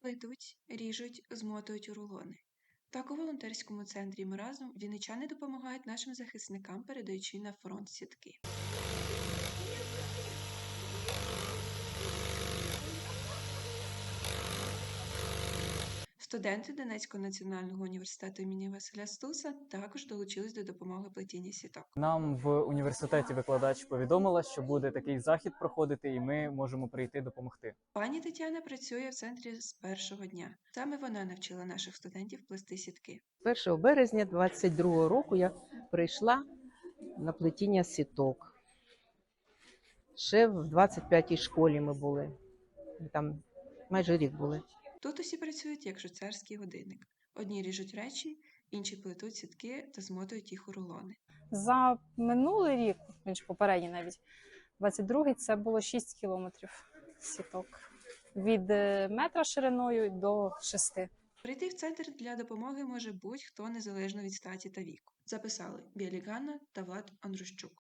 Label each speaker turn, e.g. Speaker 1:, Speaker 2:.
Speaker 1: плетуть, ріжуть, змотують у рулони. Так у волонтерському центрі «Ми разом» вінничани допомагають нашим захисникам, передаючи на фронт сітки. Студенти Донецького національного університету імені Василя Стуса також долучились до допомоги плетіння сіток.
Speaker 2: Нам в університеті викладач повідомила, що буде такий захід проходити, і ми можемо прийти допомогти.
Speaker 1: Пані Тетяна працює в центрі з першого дня. Саме вона навчила наших студентів плести сітки.
Speaker 3: 1 березня 22-го року я прийшла на плетіння сіток. Ще в 25-й школі ми були. Там майже рік були.
Speaker 1: Тут усі працюють як швейцарський годинник. Одні ріжуть речі, інші плетуть сітки та змотують їх у рулони.
Speaker 4: За минулий рік, попередній навіть, 22-й, це було 6 кілометрів сіток. Від метра шириною до 6.
Speaker 1: Прийти в центр для допомоги може будь-хто незалежно від статі та віку. Записали Білі Ганна та Влад Андрущук.